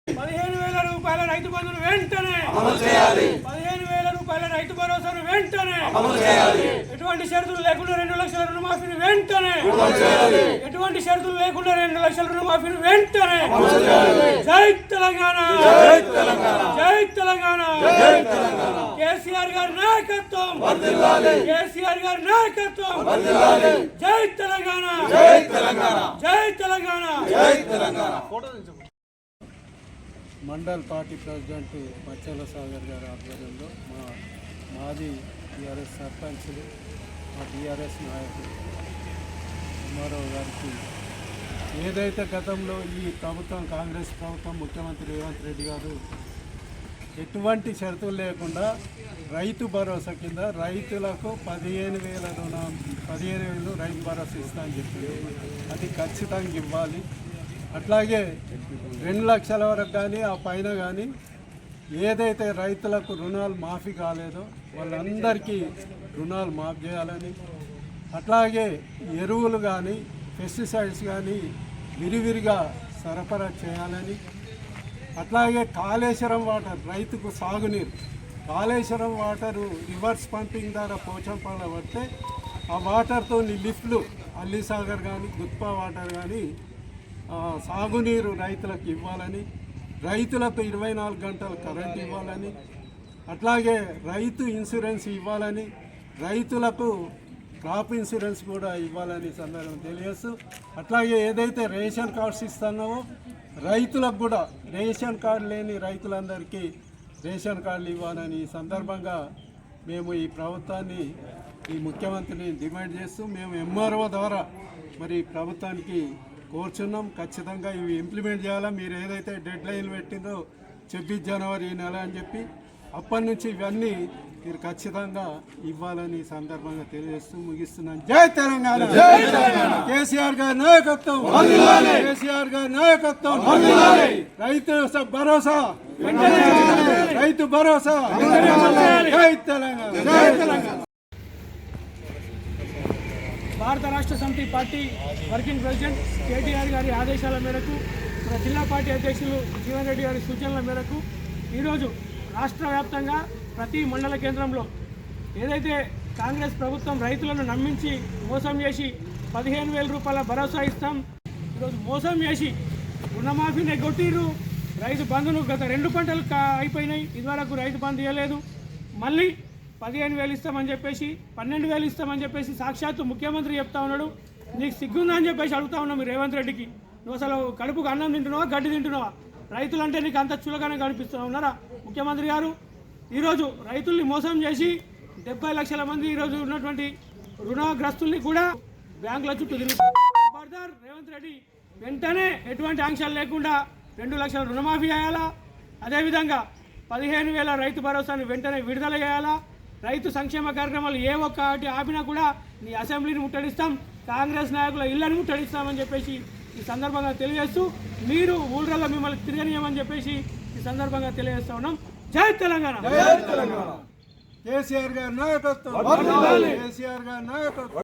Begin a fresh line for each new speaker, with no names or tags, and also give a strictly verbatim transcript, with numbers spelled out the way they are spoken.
పదిహేను వేల రూపాయల రైతు బంధును వెంటనే అమలు చేయాలి. పదిహేను వేల రూపాయల రైతు భరోసాను వెంటనే అమలు చేయాలి. ఎటువంటి షరతులు లేకుండా రెండు లక్షల రుణమాఫీని వెంటనే అమలు చేయాలి. ఎటువంటి షరతులు లేకుండా రెండు లక్షల రుణమాఫీని వెంటనే అమలు చేయాలి. జై తెలంగాణ, జై తెలంగాణ, జై తెలంగాణ, జై తెలంగాణ. కేసీఆర్ గారి నాయకత్వం వర్ధిల్లాలి. కేసీఆర్ గారి నాయకత్వం వర్ధిల్లాలి. జై తెలంగాణ, జై తెలంగాణ, జై తెలంగాణ, జై తెలంగాణ.
మండల్ పార్టీ ప్రెసిడెంట్ మచ్చల సాగర్ గారి ఆధ్వర్యంలో మా మాజీ టీఆర్ఎస్ సర్పంచ్లు మా టీఆర్ఎస్ నాయకులు కుమారావు గారికి ఏదైతే గతంలో ఈ ప్రభుత్వం కాంగ్రెస్ ప్రభుత్వం ముఖ్యమంత్రి రేవంత్ రెడ్డి గారు ఎటువంటి షరతులు లేకుండా రైతు భరోసా కింద రైతులకు పదిహేను వేల రుణం పదిహేను వేలు రైతు భరోసా ఇస్తా అని చెప్పి అది ఖచ్చితంగా ఇవ్వాలి. అట్లాగే రెండు లక్షల వరకు కానీ ఆ పైన కానీ ఏదైతే రైతులకు రుణాలు మాఫీ కాలేదో వాళ్ళందరికీ రుణాలు మాఫీ చేయాలని, అట్లాగే ఎరువులు కానీ పెస్టిసైడ్స్ కానీ విరివిరిగా సరఫరా చేయాలని, అట్లాగే కాళేశ్వరం వాటర్ రైతుకు సాగునీరు కాళేశ్వరం వాటరు రివర్స్ పంపింగ్ ద్వారా పోచంపాల పడితే ఆ వాటర్తో లిఫ్ట్లు అల్లిసాగర్ కానీ గుత్పా వాటర్ కానీ సాగునీరు రైతులకు ఇవ్వాలని, రైతులకు ఇరవై నాలుగు గంటలు కరెంట్ ఇవ్వాలని, అట్లాగే రైతు ఇన్సూరెన్స్ ఇవ్వాలని, రైతులకు క్రాప్ ఇన్సూరెన్స్ కూడా ఇవ్వాలని సందర్భం తెలియజేస్తూ, అట్లాగే ఏదైతే రేషన్ కార్డ్స్ ఇస్తున్నామో రైతులకు కూడా రేషన్ కార్డు లేని రైతులందరికీ రేషన్ కార్డులు ఇవ్వాలని ఈ సందర్భంగా మేము ఈ ప్రభుత్వాన్ని ఈ ముఖ్యమంత్రిని డిమాండ్ చేస్తూ మేము ఎంఆర్ఓ ద్వారా మరి ప్రభుత్వానికి కోరుచున్నాం. ఖచ్చితంగా ఇవి ఇంప్లిమెంట్ చేయాలా. మీరు ఏదైతే డెడ్ లైన్ పెట్టిందో ఛబ్బీస్ జనవరి ఈ నెల అని చెప్పి అప్పటి నుంచి ఇవన్నీ మీరు ఖచ్చితంగా ఇవ్వాలని సందర్భంగా తెలియజేస్తూ ముగిస్తున్నాను. జై తెలంగాణ, కేసీఆర్ గారి నాయకత్వం, కేసీఆర్ గారి నాయకత్వం, రైతు భరోసా, రైతు భరోసా, జై తెలంగాణ, జై తెలంగాణ.
భారత రాష్ట్ర సమితి పార్టీ వర్కింగ్ ప్రెసిడెంట్ కేటీఆర్ గారి ఆదేశాల మేరకు మన జిల్లా పార్టీ అధ్యక్షులు జీవన్ రెడ్డి గారి సూచనల మేరకు ఈరోజు రాష్ట్ర వ్యాప్తంగా ప్రతి మండల కేంద్రంలో ఏదైతే కాంగ్రెస్ ప్రభుత్వం రైతులను నమ్మించి మోసం చేసి పదిహేను వేల రూపాయల భరోసా ఇస్తాం, ఈరోజు మోసం చేసి రుణమాఫీని కొట్టిరు, రైతు బంధును గత రెండు పంటలు అయిపోయినాయి, ఇదివరకు రైతు బంధు ఇవ్వలేదు, మళ్ళీ పదిహేను వేలు ఇస్తామని చెప్పేసి పన్నెండు వేలు ఇస్తామని చెప్పేసి సాక్షాత్తు ముఖ్యమంత్రి చెప్తా ఉన్నాడు. నీకు సిగ్గుందా అని చెప్పేసి అడుగుతా ఉన్నాం రేవంత్ రెడ్డికి. నువ్వు అసలు కడుపుకు అన్నం తింటున్నావా గడ్డి తింటున్నావా? రైతులంటే నీకు అంత చులకనే కనిపిస్తూ ఉన్నారా ముఖ్యమంత్రి గారు? ఈరోజు రైతుల్ని మోసం చేసి డెబ్బై లక్షల మంది ఈరోజు ఉన్నటువంటి రుణగ్రస్తుల్ని కూడా బ్యాంకుల చుట్టూ తిరుగుతారు. రేవంత్ రెడ్డి వెంటనే ఎటువంటి ఆంక్షలు లేకుండా రెండు లక్షల రుణమాఫీ చేయాలా, అదేవిధంగా పదిహేను వేల రైతు భరోసాను వెంటనే విడుదల చేయాలా, రైతు సంక్షేమ కార్యక్రమాలు ఏ ఒక్కటి ఆపినా కూడా నీ అసెంబ్లీని ముట్టడిస్తాం, కాంగ్రెస్ నాయకుల ఇళ్లను ముట్టడిస్తామని చెప్పేసి ఈ సందర్భంగా తెలియజేస్తూ మీరు ఊళ్ళలో మిమ్మల్ని తిరగనీయమని చెప్పేసి ఈ సందర్భంగా తెలియజేస్తా ఉన్నాం. జై తెలంగాణ,
జై తెలంగాణ. కేసీఆర్ గారి నాయకత్వం, కేసీఆర్ గారి నాయకత్వం.